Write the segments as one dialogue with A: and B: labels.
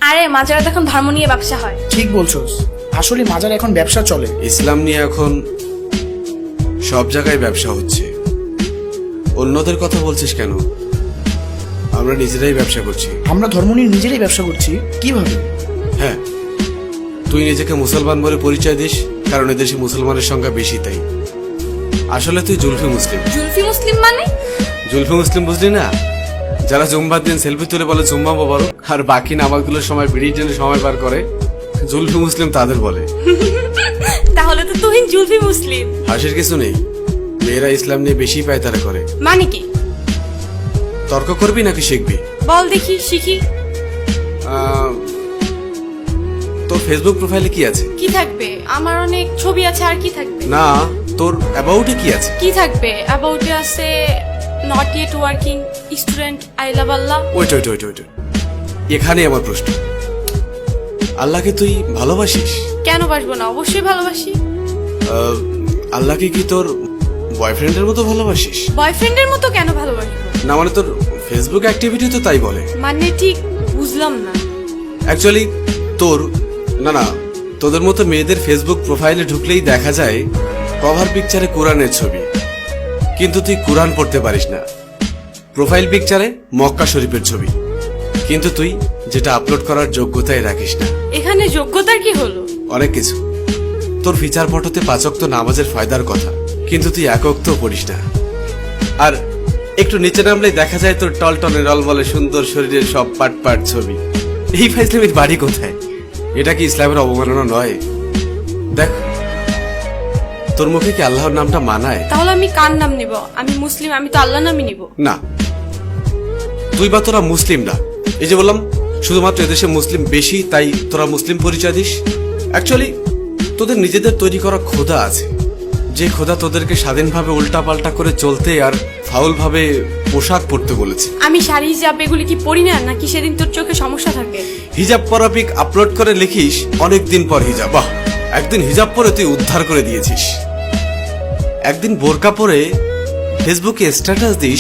A: আরে মাজারে এখন ধর্ম নিয়ে ব্যবসা হয়।
B: ঠিক বলছোস, আসলে মাজার এখন ব্যবসা চলে।
C: ইসলাম নিয়ে এখন সব জায়গায় ব্যবসা হচ্ছে। অন্যদের কথা বলছিস কেন? আমরা নিজেরাই ব্যবসা করছি।
B: আমরা ধর্ম নিয়ে নিজেরাই ব্যবসা করছি? কিভাবে?
C: হ্যাঁ, তুই নিজেকে মুসলমান বলে পরিচয় দিস, কারণ এদেশে মুসলমানের সংখ্যা বেশি তাই। আসলে তুই জুলফি মুসলিম।
A: জুলফি মুসলিম মানে?
C: জুলফি মুসলিম বুঝলি না? যারা জুম্বার দিন সেলফি তুলে বলে জুম্মা মোবারক, আর বাকি নামাজগুলোর সময় বিড়ির জন্য সময় পার করে, জুলফি মুসলিম তাদের বলে।
A: তাহলে তো তুহিন জুলফি মুসলিম।
C: হাসির কিছু নেই, মেয়েরা ইসলাম নিয়ে বেশি পায়তারা করে।
A: মানে কি?
C: তর্ক করবি নাকি শিখবি?
A: বল দেখি, শিখি।
C: তোর ফেসবুক প্রোফাইলে কি আছে?
A: কি থাকবে? আমার অনেক ছবি আছে, আর কি থাকবে?
C: না, তোর অ্যাবাউটে কি আছে?
A: কি থাকবে? অ্যাবাউটে আছে not yet working student, I love Allah.
C: Wait, এখানে আমার প্রশ্ন, আল্লাহকে তুই ভালোবাসিস?
A: কেন বাসবো না, অবশ্যই ভালোবাসি।
C: আল্লাহকে কি তোর বয়ফ্রেন্ডের মতো ভালোবাসিস?
A: বয়ফ্রেন্ডের মতো কেন ভালোবাসবো?
C: না মানে তোর ফেসবুক অ্যাক্টিভিটি তো তাই বলে।
A: মানে ঠিক বুঝলাম না।
C: অ্যাকচুয়ালি তোর না তোদের মতো মেয়েদের ফেসবুক প্রোফাইলে ঢুকলেই দেখা যায় কভার পিকচারে কোরআনের ছবি, কিন্তু তুই কোরআন পড়তে পারিস না। প্রোফাইল পিকচারে মক্কা শরীফের ছবি, কিন্তু তুই যেটা আপলোড করার যোগ্যতাই রাখিস না।
A: এখানে যোগ্যতার কি হলো?
C: অনেক কিছু। তোর ফিচার ফটোতে 5 ওয়াক্ত নামাজের ফায়দার কথা, কিন্তু তুই 1 ওয়াক্ত পড়িস না। আর একটু নিচে নামলেই দেখা যায় তোর টলটলে রলবলে সুন্দর শরীরের সব পাট ছবি। এই ফাইজলামির বাড়ি কোথায়? এটা কি ইসলামের অবমাননা নয়? দেখ, তোর মুখে কি আল্লাহর নামটা মানায়?
A: তাহলে আমি কার নাম নিব? আমি মুসলিম, আমি তো আল্লাহ নামই নিব।
C: না, তুই বা তোরা মুসলিম না। এই যে বললাম শুধুমাত্র এদেশে মুসলিম বেশি তাই তোরা মুসলিম পরিচয় দিস। অ্যাকচুয়ালি তোদের নিজেদের তৈরি করা খোদা আছে, যে খোদা তোদেরকে স্বাধীনভাবে উল্টাপাল্টা করে চলতে আর ফাউল ভাবে পোশাক পরতে বলেছে।
A: আমি শাড়ি হিজাব এগুলি কি পরি না, নাকি সেদিন তোর চোখে সমস্যা থাকে?
C: হিজাব পরা পিক আপলোড করে লিখিস অনেকদিন পর হিজাব। বাহ, একদিন হিজাব পরে তুই উদ্ধার করে দিয়েছিস। একদিন বোরকা পরে ফেসবুকে স্ট্যাটাস দিস,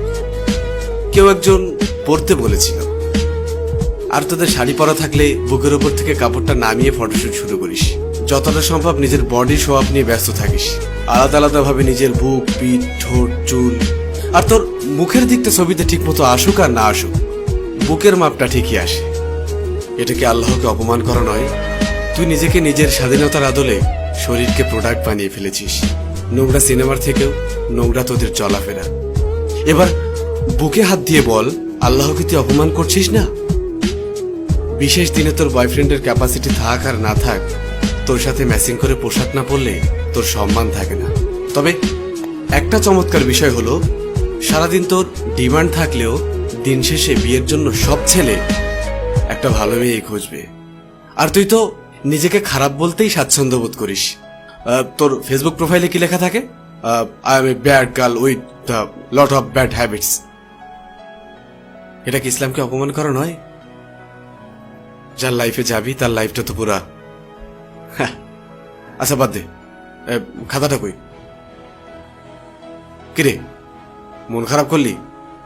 C: কেউ একজন পড়তে বলেছিল। আর তোদের শাড়ি পরা থাকলে বুকের উপর থেকে কাপড়টা নামিয়ে ফটোশুট শুরু করিস। যতটা সম্ভব নিজের বডি শো আপ নিয়ে ব্যস্ত থাকিস, আলাদা আলাদা ভাবে নিজের বুক, পিঠ, ঠোঁট, চুল। আর তোর মুখের দিকটা ছবিতে ঠিক মতো আসুক আর না আসুক, বুকের মাপটা ঠিকই আসে। এটা কি আল্লাহকে অপমান করা নয়? তুই নিজেকে নিজের স্বাধীনতার আদলে শরীরকে প্রোডাক্ট বানিয়ে ফেলেছিস। নোংরা সিনেমার থেকেও নোংরা তোদের চলাফেরা। এবার বুকে হাত দিয়ে বল, আল্লাহকে তুই অপমান করছিস না? বিশেষ দিনে তোর বয়ফ্রেন্ডের ক্যাপাসিটি থাক আর না থাক, তোর সাথে ম্যাচিং করে পোশাক না পরলে তোর সম্মান থাকে না। তবে একটা চমৎকার বিষয় হলো, সারাদিন তোর ডিমান্ড থাকলেও দিন শেষে বিয়ের জন্য সব ছেলে একটা ভালো মেয়েই খুঁজবে। আর তুই তো নিজেকে খারাপ বলতেই স্বাচ্ছন্দ্য বোধ করিস। তোর ফেসবুক প্রোফাইলে কি লেখা থাকে? I am a bad girl with the lot of bad habits. এটা কি ইসলামকে অপমান করা নয়? যার লাইফে যাবি তার লাইফটা তো পুরা। আচ্ছা বাদ দে, খাতাটা কই? কিরে, মন খারাপ করলি?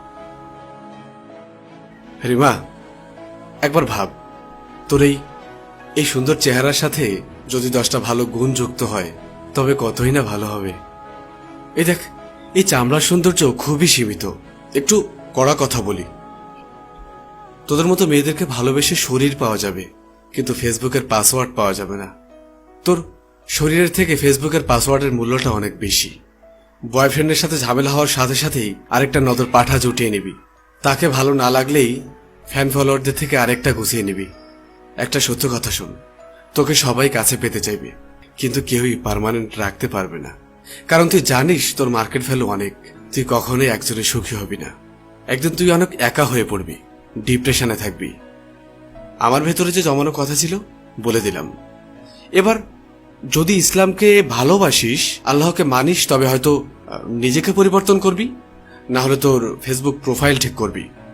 C: রিমা, একবার ভাব, তোর এই সুন্দর চেহারার সাথে যদি 10টা ভালো গুণ যুক্ত হয় তবে কতই না ভালো হবে। এই দেখ, এই চামড়ার সৌন্দর্য খুবই সীমিত। একটু কড়া কথা বলি, তোদের মতো মেয়েদেরকে ভালোবেসে শরীর পাওয়া যাবে, কিন্তু ফেসবুকের পাসওয়ার্ড পাওয়া যাবে না। তোর শরীরের থেকে ফেসবুকের পাসওয়ার্ডের মূল্যটা অনেক বেশি। বয়ফ্রেন্ডের সাথে ঝামেলা হওয়ার সাথে সাথেই আরেকটা নজর পাঠা জুটিয়ে নিবি। তাকে ভালো না লাগলেই ফ্যান ফলোয়ারদের থেকে আরেকটা গুছিয়ে নিবি। একটা সত্য কথা শোন, তোকে সবাই কাছে পেতে চাইবে, কিন্তু কেউই পার্মানেন্ট রাখতে পারবে না। কারণ তুই জানিস তোর মার্কেট ভ্যালু অনেক। তুই কখনোই একজনে সুখী হবি না। একদিন তুই অনেক একা হয়ে পড়বি, ডিপ্রেশনে থাকবি। আমার ভেতরে যে জমানো কথা ছিল বলে দিলাম। এবার যদি ইসলামকে ভালোবাসিস, আল্লাহকে মানিস, তবে হয়তো নিজেকে পরিবর্তন করবি, না হলে তোর ফেসবুক প্রোফাইল ঠিক করবি।